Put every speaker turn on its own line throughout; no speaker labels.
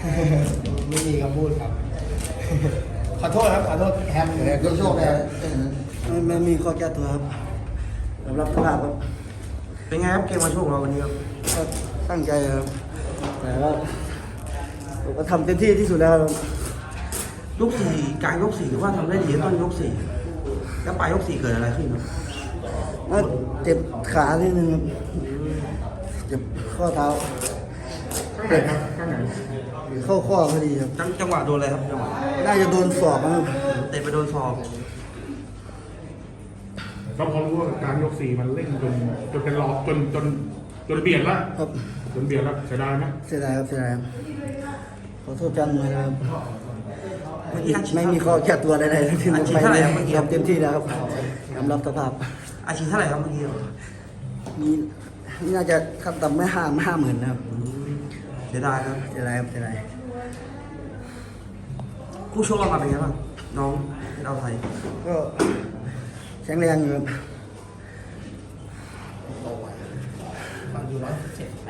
ไม่มีคำพูดครับ ขอโทษครับขอโทษแฮมโชคเลย
ไม่มีข้อแก้ตัวครับสำหรับสภาพครับ
เป็นไงครับเกมมาช่วงเราวันนี้ครับ
ก็ตั้งใจครับแต่ว่าผมก็ทำเต็มที่ที่สุดแล้วครับ
ยกสี่กลางยกสี่หรือว่าทำได้ดีต้นยกสี่แล้วปลายยกสี่เกิดอะไรขึ้นครับ
ก็เจ็บขานิดนึงครับเจ็บข้อเท้า
ข้างไหนครับข้างไหน
เข้าข้อพอดีครับ
จังหวะโดนอะไรครับจังหวะ
น่าจะโดนศอกนะครับ
เตะไปโดนศอก
เราพอรู้ว่าการยกสี่มันเร่งจนเป็นรอบจนเบียดแล้ว
ครับ
จนเบียดแล้วเสียดายไหม
เสียดายครับเสียดายครับขอโทษจันเลยนะครับ
เมื่อกี้อาชีพ
ไม่มีข้อแก้ตัวใดๆทั้งสิ้น
อาชีพเท่าไหร่ครับเมื่อกี้
ทำเต็มที่แล้วครับยอมรับสภาพ
อาชีพเท่าไหร่ครับเมื่อกี้
มีน่าจะขั้นต่ำไม่50,000นะครับ
เสียดายครับ
เสียดายครับเสียดาย
คู่ชกเรามาเป็นไงบ้างน้องเราไทย
ก็แข็งแรงอยู่ครับ
ฟังอยู่117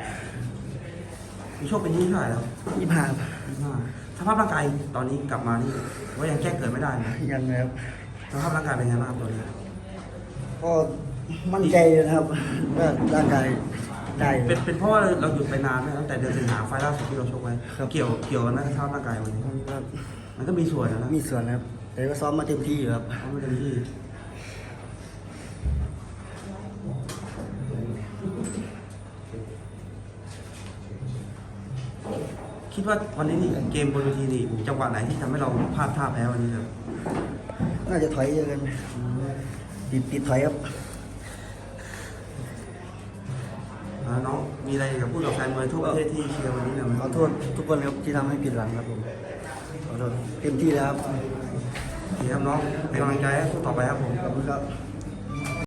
คู่ชกเป็นยี่เท่าไหร่แล้ว
25ครับ
สภาพร่างกายตอนนี้กลับมานี่ว่ายังแก้เกิดไม่ได้นะ
ยังนะครับ
สภาพร่างกายเป็นไงบ้างครับตอนนี้
ก็มั่นใจนะครับว่าร่างกายได้อยู่
เป็นเพราะว่าเราหยุดไปนานไหมตั้งแต่เดือนสิงหาไฟล์ล่าสุดที่เราชกไว้
ครับ
เกี่ยวกันไหมกับสภาพร่างกายวันนี้
ครับ
มันก็มีส่วนนะ
มีส่วนนะครับ แต่ก็ซ้อมมาเต็มที่อยู่ครับ
เขาไม่เต็มที่คิดว่าวันนี้นี่เกมบนเวทีนี่จังหวะไหนที่ทำให้เราพลาดท่าแพ้วันนี้ครับ
น่าจะถอยเยอะกันติดถอยครับ
น้องมีอะไรกับพูดกับแฟนมวยทั่วประเทศที่เชียร์วันนี้หน่อยไหม
ขอโทษทุกคนครับที่ทำให้ผิดหวังครับผมขอโทษเต็มที่แล้วครับ
ดีครับน้องเป็นกำลังใจให้สู้ต่อไปครับผม
ขอบคุณครับ